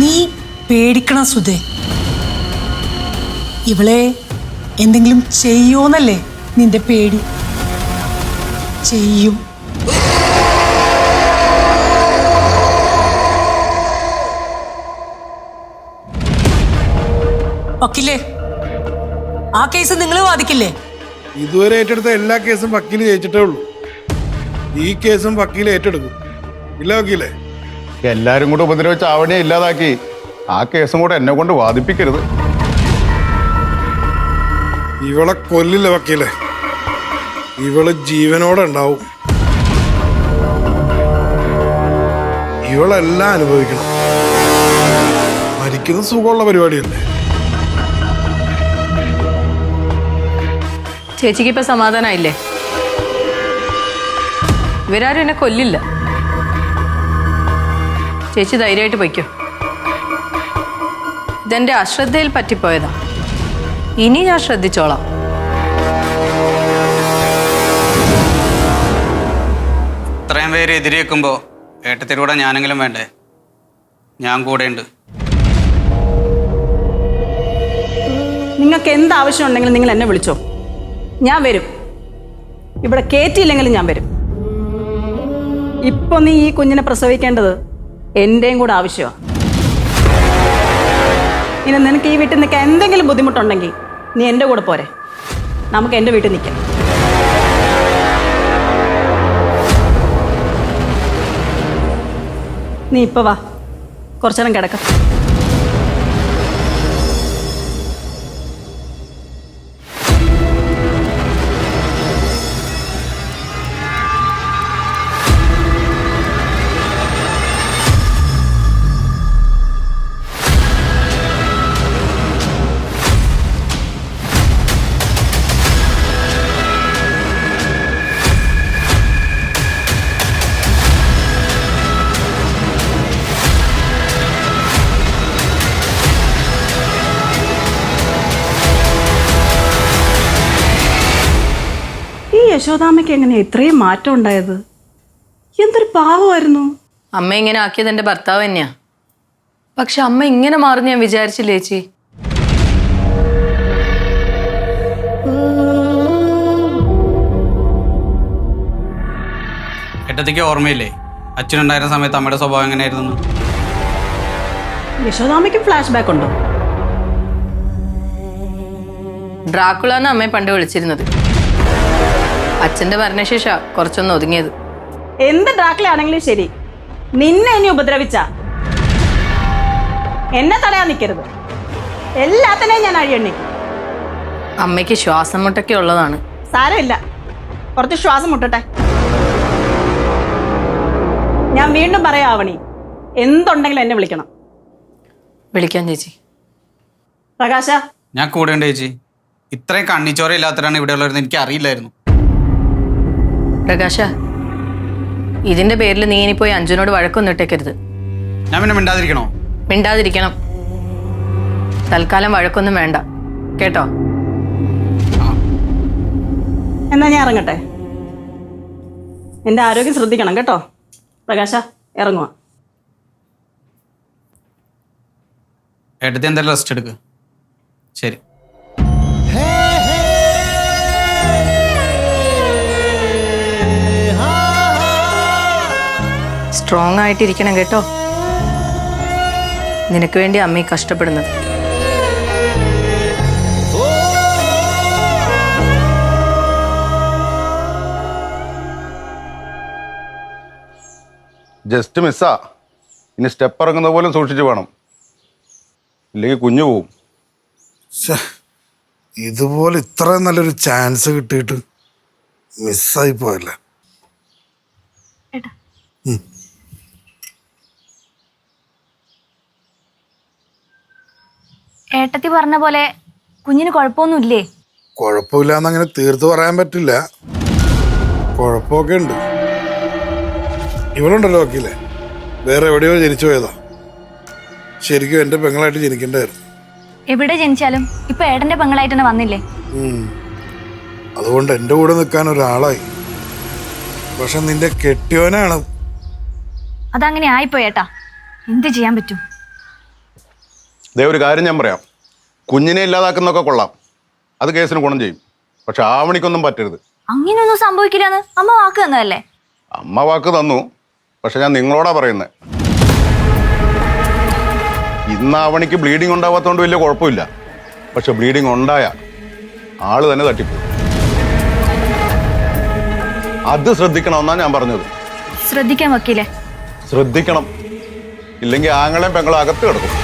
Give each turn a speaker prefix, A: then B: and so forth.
A: നീ പേടിക്കണം സുധേ. ഇവളെ എന്തെങ്കിലും ചെയ്യോന്നല്ലേ നിന്റെ പേടി? ചെയ്യും. വക്കീലേ, ആ കേസ് നിങ്ങൾ വാദിക്കില്ലേ?
B: ഇതുവരെ ഏറ്റെടുത്ത എല്ലാ കേസും വക്കീല് ജയിച്ചിട്ടേ ഉള്ളൂ. ഈ കേസും വക്കീല് ഏറ്റെടുക്കും, ഇല്ല വക്കീലേ?
C: എല്ലാരും കൂടെ ഉപദ്രവിച്ച് ആവണിയെ ഇല്ലാതാക്കി ആ കേസും കൂടെ എന്നെ കൊണ്ട് വാദിപ്പിക്കരുത്.
B: ഇവളെ കൊല്ലില്ല വക്കീലെ, ഇവള് ജീവനോടെ ഉണ്ടാവും. ഇവളെല്ലാം അനുഭവിക്കണം. മരിക്കുന്ന സുഖമുള്ള പരിപാടിയല്ലേ?
D: ചേച്ചിക്ക് ഇപ്പൊ സമാധാനായില്ലേ? ഇവരാരും എന്നെ കൊല്ലില്ല. ചേച്ചി ധൈര്യമായിട്ട് പൊയ്ക്കോ. ഇതെന്റെ അശ്രദ്ധയിൽ പറ്റിപ്പോയതാ. ഇനി ഞാൻ ശ്രദ്ധിച്ചോളാം.
E: ഇത്രയും പേര് എതിരേക്കുമ്പോ ഏട്ടത്തിലൂടെ ഞാനെങ്കിലും വേണ്ടേ? ഞാൻ കൂടെയുണ്ട്.
F: നിങ്ങൾക്ക് എന്താവശ്യം ഉണ്ടെങ്കിലും നിങ്ങൾ എന്നെ വിളിച്ചോ, ഞാൻ വരും. ഇവിടെ കയറ്റിയില്ലെങ്കിലും ഞാൻ വരും. ഇപ്പൊ നീ ഈ കുഞ്ഞിനെ പ്രസവിക്കേണ്ടത് എന്റെയും കൂടെ ആവശ്യമാണ്. ഇനി നിനക്ക് ഈ വീട്ടിൽ നിൽക്കാൻ എന്തെങ്കിലും ബുദ്ധിമുട്ടുണ്ടെങ്കിൽ നീ എൻ്റെ കൂടെ പോരെ, നമുക്ക് എൻ്റെ വീട്ടിൽ നിൽക്കാം. നീ ഇപ്പൊ വാ, കുറച്ചേരം കിടക്കാം. യശോദാമ്മയ്ക്ക് എങ്ങനെ ഇത്രയും മാറ്റം ഉണ്ടായത്? എന്തൊരു പാവമായിരുന്നു.
D: അമ്മ ഇങ്ങനെ ആക്കിയത് എൻ്റെ ഭർത്താവ് തന്നെയാ. പക്ഷെ അമ്മ ഇങ്ങനെ മാറും ഞാൻ വിചാരിച്ചില്ലേ ചേച്ചി.
E: ഏട്ടത്തിക്ക് ഓർമ്മയില്ലേ അച്ഛനുണ്ടായിരുന്ന സമയത്ത് അമ്മയുടെ സ്വഭാവം എങ്ങനെയായിരുന്നു?
F: യശോദാമ്മയ്ക്ക് ഫ്ലാഷ് ബാക്ക് ഉണ്ടോ?
D: ഡ്രാക്കുള എന്ന് അമ്മയെ പണ്ട് വിളിച്ചിരുന്നത്. അച്ഛന്റെ മരണശേഷ കുറച്ചൊന്ന് ഒതുങ്ങിയത്.
F: എന്ത് ഡ്രാക്കുള ആണെങ്കിലും ശരി, നിന്നെ ഇനി ഉപദ്രവിച്ച എന്നെ തടയാൻ നിൽക്കരുത്. എല്ലാത്തിനെയും ഞാൻ അഴിയണ്ണിക്കും.
D: അമ്മയ്ക്ക് ശ്വാസം മുട്ടൊക്കെ ഉള്ളതാണ്.
F: സാരമില്ല, കുറച്ച് ശ്വാസം മുട്ടട്ടെ. ഞാൻ വീണ്ടും പറയാം ആവണി, എന്തുണ്ടെങ്കിലും എന്നെ വിളിക്കണം.
D: വിളിക്കാൻ ചേച്ചി.
F: പ്രകാശ,
E: ഞാൻ കൂടെയുണ്ട് ചേച്ചി. ഇത്രയും കണ്ണിച്ചോര ഇല്ലാത്തവരാണ് ഇവിടെ ഉള്ളവരെന്ന് എനിക്ക് അറിയില്ലായിരുന്നു.
D: പ്രകാശ, ഇതിന്റെ പേരിൽ നീ ഇനിപ്പോയി അഞ്ജുനോട് വഴക്കൊന്നും ഇട്ടേക്കരുത്.
E: ഞാൻ പിന്നെ മിണ്ടാതിരിക്കണോ?
D: മിണ്ടാതിരിക്കണം. തൽക്കാലം വഴക്കൊന്നും വേണ്ട കേട്ടോ.
F: എന്നാ ഞാൻ ഇറങ്ങട്ടെ. എൻ്റെ ആരോഗ്യം ശ്രദ്ധിക്കണം കേട്ടോ. പ്രകാശ, ഇറങ്ങുക.
E: ഏട്ടത്തി എന്തായാലും റെസ്റ്റ് എടുക്ക്. ശരി.
D: സ്ട്രോങ് ആയിട്ടിരിക്കണം കേട്ടോ. നിനക്ക് വേണ്ടി അമ്മ കഷ്ടപ്പെടുന്നത്.
C: ജസ്റ്റ് മിസ്സാ. ഇനി സ്റ്റെപ്പ് ഇറങ്ങുന്ന പോലും സൂക്ഷിച്ചു വേണം, ഇല്ലെങ്കിൽ കുഞ്ഞു പോവും.
B: ഇതുപോലെ ഇത്രയും നല്ലൊരു ചാൻസ് കിട്ടിയിട്ട് മിസ്സായി പോയല്ലേ.
G: ഏട്ടത്തി പറഞ്ഞ പോലെ കുഞ്ഞിന് കുഴപ്പമൊന്നുമില്ലേ?
B: കുഴപ്പമില്ലാന്നങ്ങനെ തീർത്ത് പറയാൻ പറ്റില്ല, കുഴപ്പമൊക്കെ ഉണ്ട്. ഇവളുണ്ടല്ലോ വക്കീലെ, വേറെ എവിടെയോ ജനിച്ചു പോയതാ. ശരിക്കും എൻ്റെ പെങ്ങളായിട്ട് ജനിക്കേണ്ടായിരുന്നു.
G: എവിടെ ജനിച്ചാലും ഇപ്പൊ ഏട്ടന്റെ പെങ്ങളായിട്ട് തന്നെ വന്നില്ലേ?
B: അതുകൊണ്ട് എൻ്റെ കൂടെ നിൽക്കാൻ ഒരാളായി. പക്ഷെ നിന്റെ കെട്ടിയോനാണ്.
G: അതങ്ങനെ ആയിപ്പോയേട്ടാ, എന്ത് ചെയ്യാൻ പറ്റും?
C: ദേ ഒരു കാര്യം ഞാൻ പറയാം, കുഞ്ഞിനെ ഇല്ലാതാക്കുന്നൊക്കെ കൊള്ളാം, അത് കേസിന് ഗുണം ചെയ്യും. പക്ഷെ ആവണിക്കൊന്നും പറ്റരുത്.
G: അങ്ങനെയൊന്നും സംഭവിക്കില്ലെന്ന് അമ്മ വാക്ക് തന്നതല്ലേ?
C: അമ്മ വാക്ക് തന്നു, പക്ഷെ ഞാൻ നിങ്ങളോടാ പറയുന്നത്. ഇന്ന് ആവണിക്ക് ബ്ലീഡിങ് ഉണ്ടാവാത്തതുകൊണ്ട് വലിയ കുഴപ്പമില്ല. പക്ഷെ ബ്ലീഡിങ് ഉണ്ടായ ആള് തന്നെ തട്ടിപ്പോകും. അത് ശ്രദ്ധിക്കണമെന്നാണ് ഞാൻ പറഞ്ഞത്.
G: ശ്രദ്ധിക്കാൻ വക്കീലേ.
C: ശ്രദ്ധിക്കണം, ഇല്ലെങ്കിൽ ആങ്ങളെയും പെങ്ങളും അകത്ത് കിടക്കും.